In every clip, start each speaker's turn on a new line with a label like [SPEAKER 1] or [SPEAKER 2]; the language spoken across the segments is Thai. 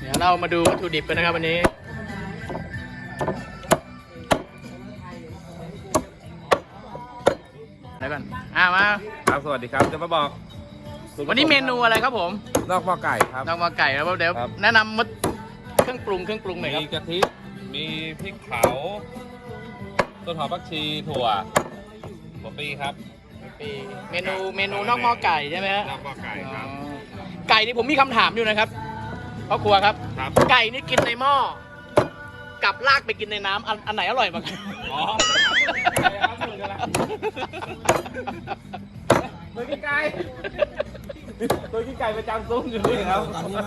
[SPEAKER 1] เดี๋ยวเรามาดูวัตถุดิบกันนะครับวันนี้อะไรก่อนมา
[SPEAKER 2] ครับสวัสดีครับจะมาบอก
[SPEAKER 1] วันนี้เมนูอะไรครับผม
[SPEAKER 2] นอกหม้อไก่ครับ
[SPEAKER 1] นอกหม้อไก่แล้วเดี๋ยวแนะนำเครื่องปรุงหน่อยครับ
[SPEAKER 2] มีกะทิมีพริกเผาต้นหอมผักชีถั่วปีครับ
[SPEAKER 1] เมนูนอกหม้อไก่ใช่ไหมฮะ
[SPEAKER 2] นอกหม้อไก่ครับ
[SPEAKER 1] ไก่นี่ผมมีคำถามอยู่นะครับพ่อครัวครับไก่นี่กินในหม้อกับลากไปกินในน้ำอันไหนอร่อยกว่ากัน
[SPEAKER 2] อ๋อตัวขี้ไก่ประจำซุ้มอยู่นี่ครับ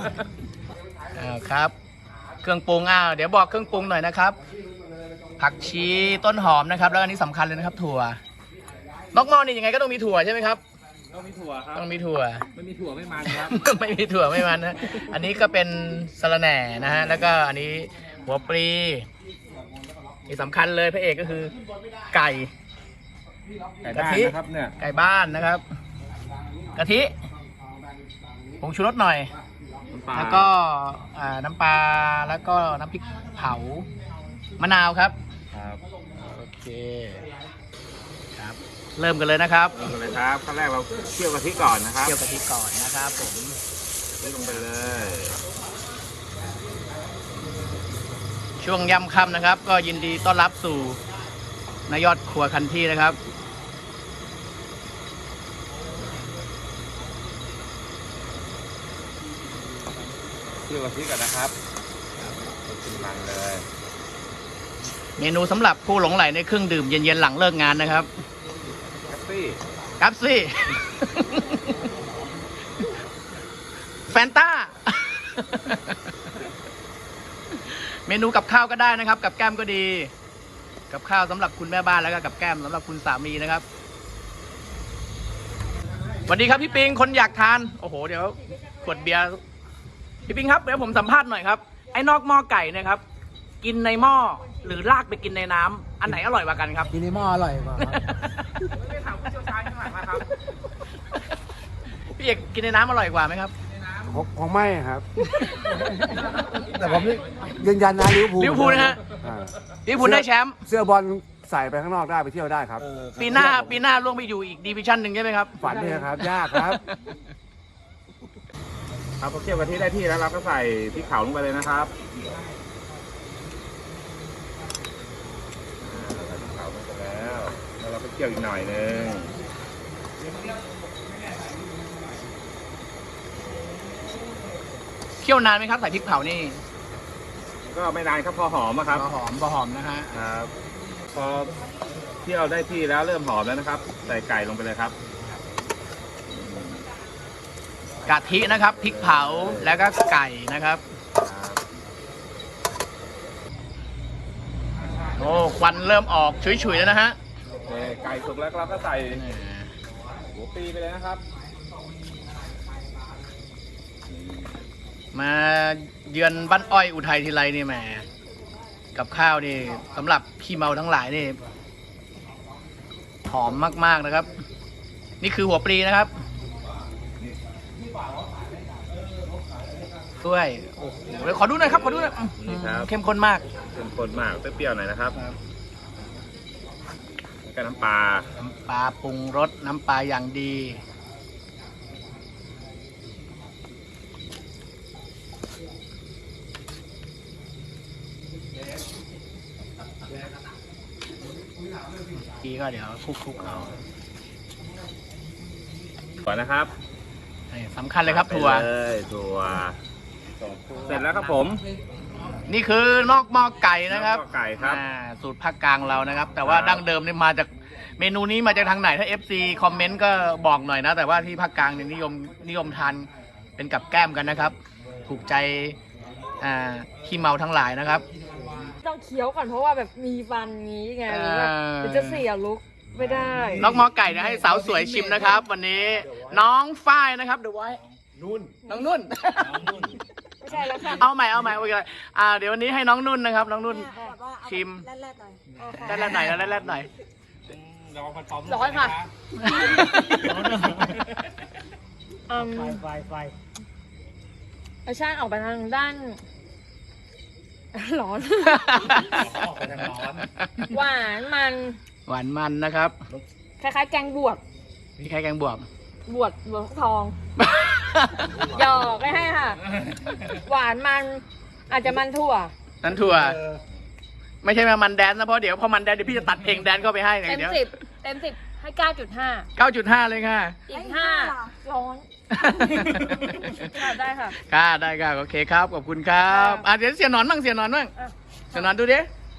[SPEAKER 1] ครับเครื่องปรุงเดี๋ยวบอกเครื่องปรุงหน่อยนะครับผักชีต้นหอมนะครับแล้วอันนี้สำคัญเลยนะครับถั่วนอกหม้อนี่ยังไงก็ต้องมีถั่วใช่ไหมครับ
[SPEAKER 2] ต้องมีถั่วครับ
[SPEAKER 1] ต้องมีถั่ว
[SPEAKER 2] ไม่มีถั่วไม่มันครับ
[SPEAKER 1] ไม่มีถั่วไม่มันนะอันนี้ก็เป็นสะระแหน่นะฮะแล้วก็อันนี้หัวปลีที่สำคัญเลยพระเอกก็คือไก่
[SPEAKER 2] กะทินะครับเนี่ย
[SPEAKER 1] ไก่บ้านนะครับกะทิผงชูรสหน่อยแล้วก็น้ำปลาแล้วก็น้ำพริกเผามะนาวครับโอเคครับเริ่มกันเลยนะครับ
[SPEAKER 2] เริ่มกันเลยครับขั้นแรกเราเคี่ยวกะทิก่อนนะครับ
[SPEAKER 1] เคี่ยวกะทิก่อนนะครับผม
[SPEAKER 2] ลงไปเลย
[SPEAKER 1] ช่วงย่ำค่ำนะครับก็ยินดีต้อนรับสู่นายยอดครัวคันที่นะครับ
[SPEAKER 2] เคี่ยวกะทิก่อนนะครับกินมันเลย
[SPEAKER 1] เมนูสำหรับผู้หลงใหลในเครื่องดื่มเย็นๆหลังเลิกงานนะครับกัปซี่แฟนต้าเมนูกับข้าวก็ได้นะครับกับแก้มก็ดีกับข้าวสำหรับคุณแม่บ้านแล้วก็กับแก้มสำหรับคุณสามีนะครับสวัสดีครับพี่ปิงคนอยากทานโอ้โหเดี๋ยวขวดเบียร์พี่ปิงครับเดี๋ยวผมสัมภาษณ์หน่อยครับไอ้นอกหม้อไก่นะครับกินในหม้อหรือลากไปกินในน้ำอันไหนอร่อยกว่ากันครับ
[SPEAKER 3] กินในหม้ออร่อยกว่า
[SPEAKER 2] ไม่ถามผู้เชี่ยวชาญข้างหลังนะครับ
[SPEAKER 1] พี่เอกกินในน้ำอร่อยกว่าไหมครับ
[SPEAKER 3] ของไม่ครับแต่ผมยืนยันนะลิเวอร์พูล
[SPEAKER 1] นะฮะลิเวอร์พูลได้แชมป์
[SPEAKER 3] เสื้อบอลใส่ไปข้างนอกได้ไปเที่ยวได้ครับ
[SPEAKER 1] ปีหน้าล่วงไปอยู่อีกดิวิชั่นหนึ่งใช่ไหมครับ
[SPEAKER 3] ฝันเนี่ยครับยากครับ
[SPEAKER 2] พอเคี่ยวกะทิได้ที่แล้วเราก็ใส่พริกเผาลงไปเลยนะครับใส่พริกเผาลงไปแล้วเราก็เคี่ยวอีกหน่อยนึง
[SPEAKER 1] เคี่ยวนานไหมครับใส่พริกเผานี่
[SPEAKER 2] ก็ไม่นานครับพอหอมครับ
[SPEAKER 1] พอหอมนะฮะ
[SPEAKER 2] ครับพอเคี่ยวได้ที่แล้วเริ่มหอมแล้วนะครับใส่ไก่ลงไปเลยครับ
[SPEAKER 1] กะทินะครับพริกเผาแล้วก็ไก่นะครับโอ้ควันเริ่มออกฉุยๆแล้วนะฮะ
[SPEAKER 2] ไก่สุกแล้วเราก็ใส่หัวปีไปเลยนะครับ
[SPEAKER 1] มาเยือนบ้านอ้อยอุทัยทีไรนี่แหมกับข้าวนี่สำหรับพี่เมาทั้งหลายนี่หอมมากๆนะครับนี่คือหัวปลีนะครับด้วยโอ้โหเดี๋ยวขอดูหน่อยครับเข้มข้นมาก
[SPEAKER 2] เข้มข้นมากเปรี้ยวๆหน่อยนะครับกับน้ำปลา
[SPEAKER 1] ปรุงรสน้ำปลาอย่างดีก็เดี๋ยวคลุกเอา
[SPEAKER 2] ถั่วนะครับ
[SPEAKER 1] สำคัญเลยครับถั่ว
[SPEAKER 2] เสร็จแล้วครับผม
[SPEAKER 1] นี่คือนอกหม้อไก่นะครับ
[SPEAKER 2] ไก่ครับ
[SPEAKER 1] สูตรภาคกลางเรานะครับแต่ว่าดั้งเดิมนี่มาจากเมนูนี้มาจากทางไหนถ้า FC คอมเมนต์ก็บอกหน่อยนะแต่ว่าที่ภาคกลางเนี่ยนิยมทานเป็นกับแก้มกันนะครับถูกใจขี้เมาทั้งหลายนะครับ
[SPEAKER 4] ต้องเคี้ยวก่อนเพราะว่าแบบมีฟันงี้ไงหรือว่าจะเสียลุกไม่ได้
[SPEAKER 1] นอกหม้อไก่นะให้สาวสวยชิมนะครับวันนี้น้องฝ้ายนะครับเดี๋ยวไว้น้องนุ่น
[SPEAKER 4] ไม่ใช่แล้วค่ะ
[SPEAKER 1] เอาใหม่โอเคเดี๋ยววันนี้ให้น้องนุ่นนะครับน้องนุ่นชิมแรดๆหน่อยแรดๆหน่อย
[SPEAKER 4] ร้อนค่ะ
[SPEAKER 3] ไฟ
[SPEAKER 4] รสชาติออกไปทางด้าน ร้อน
[SPEAKER 2] ออกไปทางร้อน
[SPEAKER 4] หวานมัน
[SPEAKER 1] หวานมันนะครับ
[SPEAKER 4] คล้ายๆแกงบวบ
[SPEAKER 1] นี่แค่แกงบวบบ
[SPEAKER 4] วบทอง หยอกไม่ให้ค่ะ หวานมันอาจจะมันถั่ว
[SPEAKER 1] นั่นถั่ว ไม่ใช่มามันแดนนะเพราะเดี๋ยวพอมันแดนเดี๋ยวพี่จะตัดเพลงแดนเข้าไปให้ไง
[SPEAKER 4] เต็ม
[SPEAKER 1] เดี๋ยว
[SPEAKER 4] 10 เต็ม 10 ให้ 9.5
[SPEAKER 1] 9.5 เลยค่ะ
[SPEAKER 4] อีก 5 ร้อน ค่ะได้ค่ะ
[SPEAKER 1] ค่ะได้ค่ะโอเคครับ ขอบคุณครับ
[SPEAKER 4] ครับ
[SPEAKER 1] เดี๋ยวเสียหนอนบ้างเสียหนอนบ้าง
[SPEAKER 4] อ่ะ
[SPEAKER 1] เสียหนอนดูดิ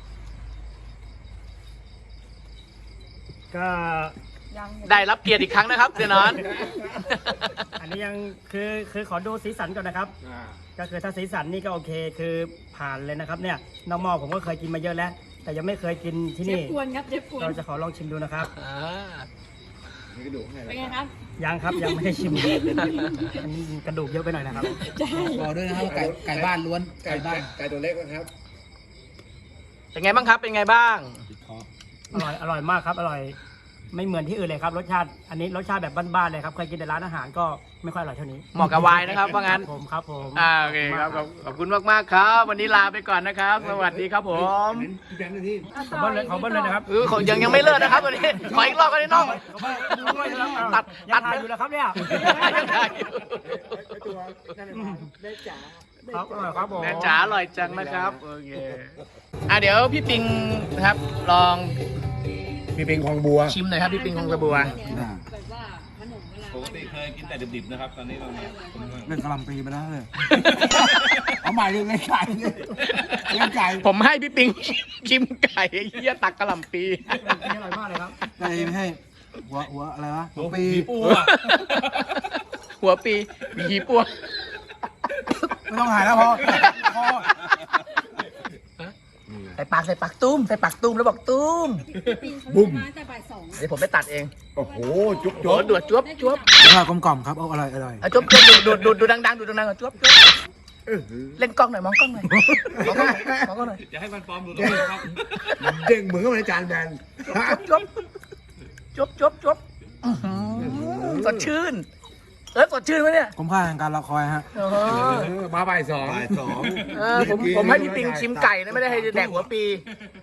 [SPEAKER 5] ก็
[SPEAKER 4] ยัง
[SPEAKER 1] ได้รับเกียรติอีกครั้งนะครับเสียหนอน
[SPEAKER 5] อันนี้ยังคือขอดูสีสันก่อนนะครับ ก็คือถ้าสีสันนี่ก็โอเคคือผ่านเลยนะครับเนี่ยน้องหม้อผมก็เคยกินมาเยอะแล้ว แต่ยังไม่เคยกินที่
[SPEAKER 4] เจ็บ
[SPEAKER 5] นี่
[SPEAKER 4] ปวนครับเจ็บปวน
[SPEAKER 5] เราจะขอลองชิมดูนะครับ
[SPEAKER 4] เป็นไงครับ
[SPEAKER 5] ยังครับยังไม่ได้ชิมอันนี้กระดูกเยอะไปหน่อยนะครับ
[SPEAKER 3] บอกด้วยนะครับไก่บ้านล้วนไก่บ้านไก่ตัวเล็กนะครับ
[SPEAKER 1] เป็นไงบ้างครับ เป็นไงบ้าง
[SPEAKER 5] อร่อยมากครับอร่อยไม่เหมือนที่อื่นเลยครับรสชาติอันนี้รสชาติแบบบ้านๆเลยครับเคยกินแต่ร้านอาหารก็ไม่ค่อยอร่อยเท่านี้
[SPEAKER 1] เหมาะกับวายนะครับว่างั้น
[SPEAKER 5] ครับผม
[SPEAKER 1] โอเคครับขอบคุณมากๆครับ วันนี้ลาไปก่อนนะครับ สวัสดีครับผม
[SPEAKER 5] ขอเบิ้ลเลยนะครับ
[SPEAKER 1] ยังไม่เลิกนะครับวันนี้ขออีกรอบกันนิดน้อง ตัด
[SPEAKER 5] ถ่ายอยู่แล้วครับเนี่ย ครับอร่อยครับผม
[SPEAKER 1] แม่จ๋าอร่อยจังนะครับโอเคเดี๋ยวพี่ปิงนะครับ ลอง
[SPEAKER 3] มีเป็นคลองบัว
[SPEAKER 1] ชิมหน่อยครับพี่ปิงของกระบัว
[SPEAKER 2] ปกติเคยกินแต่ดิบๆนะครับ ตอนนี้เราเนี่ย
[SPEAKER 3] เล่นกะหล่ำปีไปแล้วเลย เอาใหม่เลยเล่นไก่เลยเล่นไก่
[SPEAKER 1] ผมให้พี่ปิงชิมไก่เฮียตักกะหล่ำปี
[SPEAKER 5] อร่อยมากเลยครับ
[SPEAKER 3] ไม่ให้หัวอะไรวะหัวปี
[SPEAKER 2] ปูอะ
[SPEAKER 1] หัวปีหีปัว
[SPEAKER 3] ไม่ต้องหายแล้วพอ
[SPEAKER 1] ใส่ปากตุ้มใส่ปากตุ้มแล้วบอกตุ้ม
[SPEAKER 3] บุ้ม
[SPEAKER 1] เดี๋ยวผมไปตัดเอง
[SPEAKER 3] โอ้โห จุ๊บ
[SPEAKER 1] โอ้ดวดจวบจวบ
[SPEAKER 3] ข้าวกลมกล่อมครับเอาอร่อยอร่อย
[SPEAKER 1] จวบดูดังๆดูดังๆก่อนจวบจวบเล่นกล้องหน่อยมองกล้องหน่อยมองกล้องหน่อยมองกล้องหน่อย
[SPEAKER 2] อย่าให้มันปลอมดูตรงนี้นะครับ
[SPEAKER 3] เด้งเหมือนกับในจานแบน
[SPEAKER 1] จวบจวบอื้อหือสดชื่นสดชื่นไหมเนี่ย
[SPEAKER 3] คุ้มค่าแห่งการรอคอยฮะ
[SPEAKER 1] มาบ่ายสอง
[SPEAKER 3] บ่ายสอง
[SPEAKER 1] ผมให้พี่ปิงชิมไก่นะไม่ได้ให้แดกหัวปี